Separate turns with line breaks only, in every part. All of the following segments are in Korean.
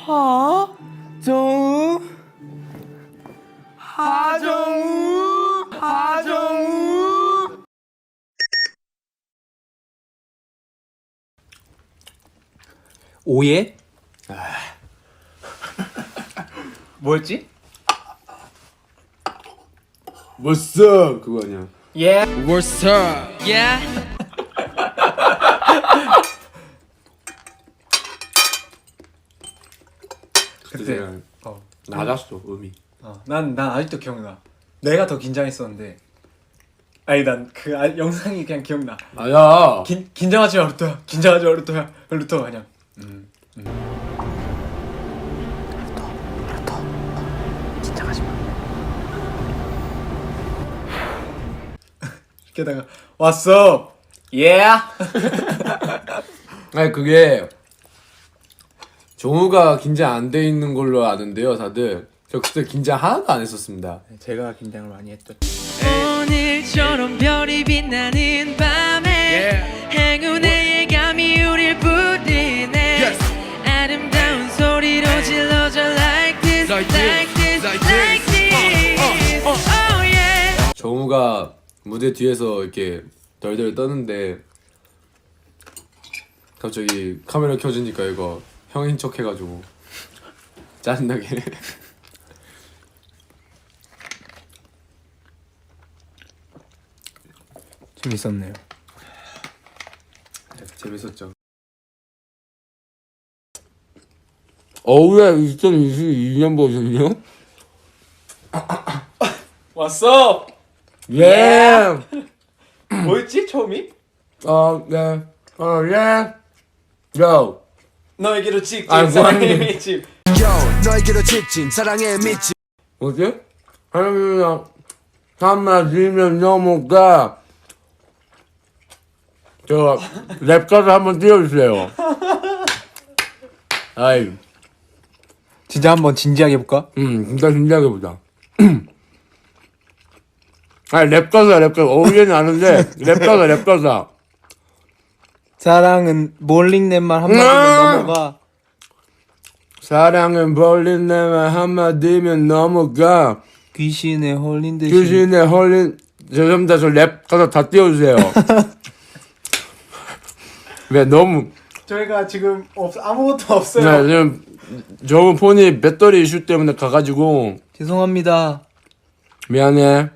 하정우 하정우 하정우.
오예? 뭐였지?
What's up 그거 아니야?
Yeah.
What's up?
Yeah.
그때 낮았어 음이.
난 아직도 기억나. 내가 더 긴장했었는데. 아니 난 그 영상이 그냥 기억나.
아야.
긴장하지 마 루토야. 긴장하지 마 루토야. 루토 그냥. 루토 긴장하지 마. 게다가 왔어. Yeah.
아니 그게 정우가 긴장 안 돼 있는 걸로 아는데요, 다들. 저 그때 긴장 하나도 안 했었습니다.
제가 긴장을 많이 했죠.
오늘처럼 별이 빛나는 밤에 행운의 예감이 우릴 부르네. 아름다운 소리로 질러줘 like this, like this, like this. Oh yeah.
정우가 무대 뒤에서 이렇게 덜덜 떠는데 갑자기 카메라 켜지니까 이거 형인 척 해가지고 짜증나게.
재밌었네요.
재밌었죠. 왜 2022년 버전이요?
왔어.
예.
뭐였지 처음이?
네. 예. 요.
너에게로 직진
아,
사랑의
뭐하니?
밑집.
너에게로 직진 사랑의 밑집.
뭐지? 하나님이랑 한마디면 넘어가. 저 랩가사 한번 띄워주세요. 아이,
진짜 한번 진지하게 해볼까?
진짜 신기하게 보자. 아니 랩가사. 어울리는 아는데 랩가사.
사랑은 몰링넷만 한마디면 넘어가.
사랑은 벌린 내말 한마디면 넘어가.
귀신에 홀린 듯이.
귀신에 홀린. 죄송합니다. 저 랩가사 다 띄워주세요. 왜 너무
저희가 지금 아무것도 없어요.
네, 지금 저번 폰이 배터리 이슈 때문에 가가지고
죄송합니다.
미안해.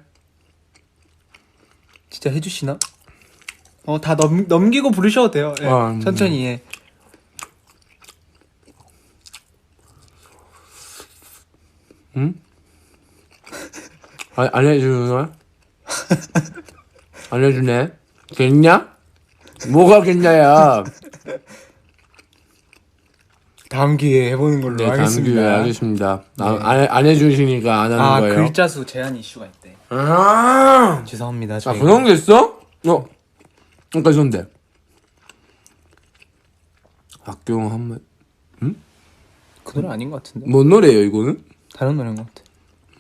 진짜 해주시나? 다 넘기고 부르셔도 돼요. 예, 천천히 해.
응? 안 해주나? 안 해주네? 겠냐? 뭐가 겠냐야?
다음 기회에 해보는 걸로
네,
하겠습니다.
다음 기회에 하겠습니다. 안 해주시니까 안 하는 거예요.
글자 수 제한 이슈가 있대. 죄송합니다. 저희가.
그런 게 있어? 그러니까 있었는데. 박경 한번
그 노래 아닌 것 같은데?
뭔 노래예요 이거는?
다른 노래인 것 같아.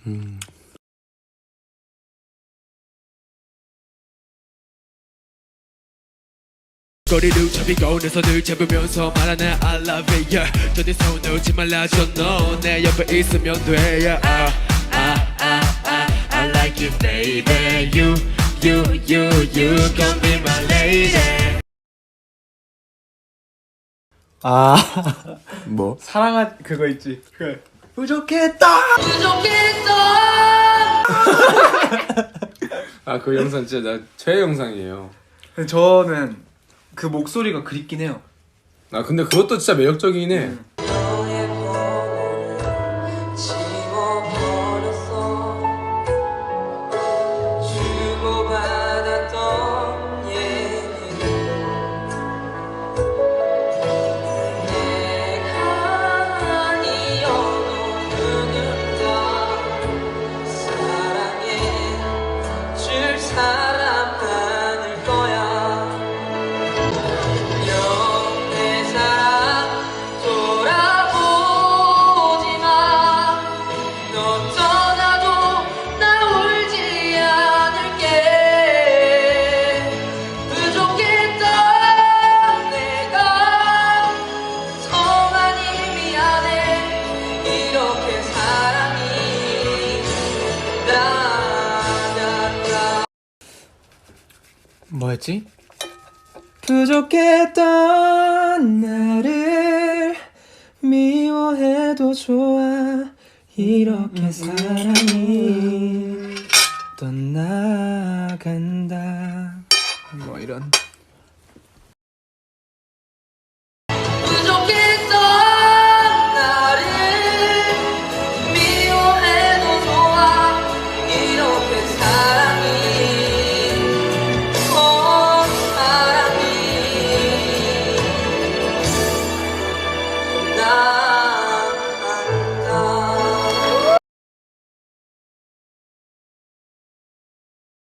거리를 잡히고 내 손을 잡으면서 말하는 I love it yeah. 저네 손 놓지 말라줘 너 내 옆에 있으면 돼 yeah. I like you baby you gon' be my lady.
뭐?
사랑한 그거 있지. 그래. 부족했다.
그 영상 진짜 나 최애 영상이에요.
근데 저는 그 목소리가 그립긴 해요.
근데 그것도 진짜 매력적이긴 해.
사람 돌아
뭐였지? 부족했던 나를 미워해도 좋아 이렇게 사랑이 떠나간다 뭐 이런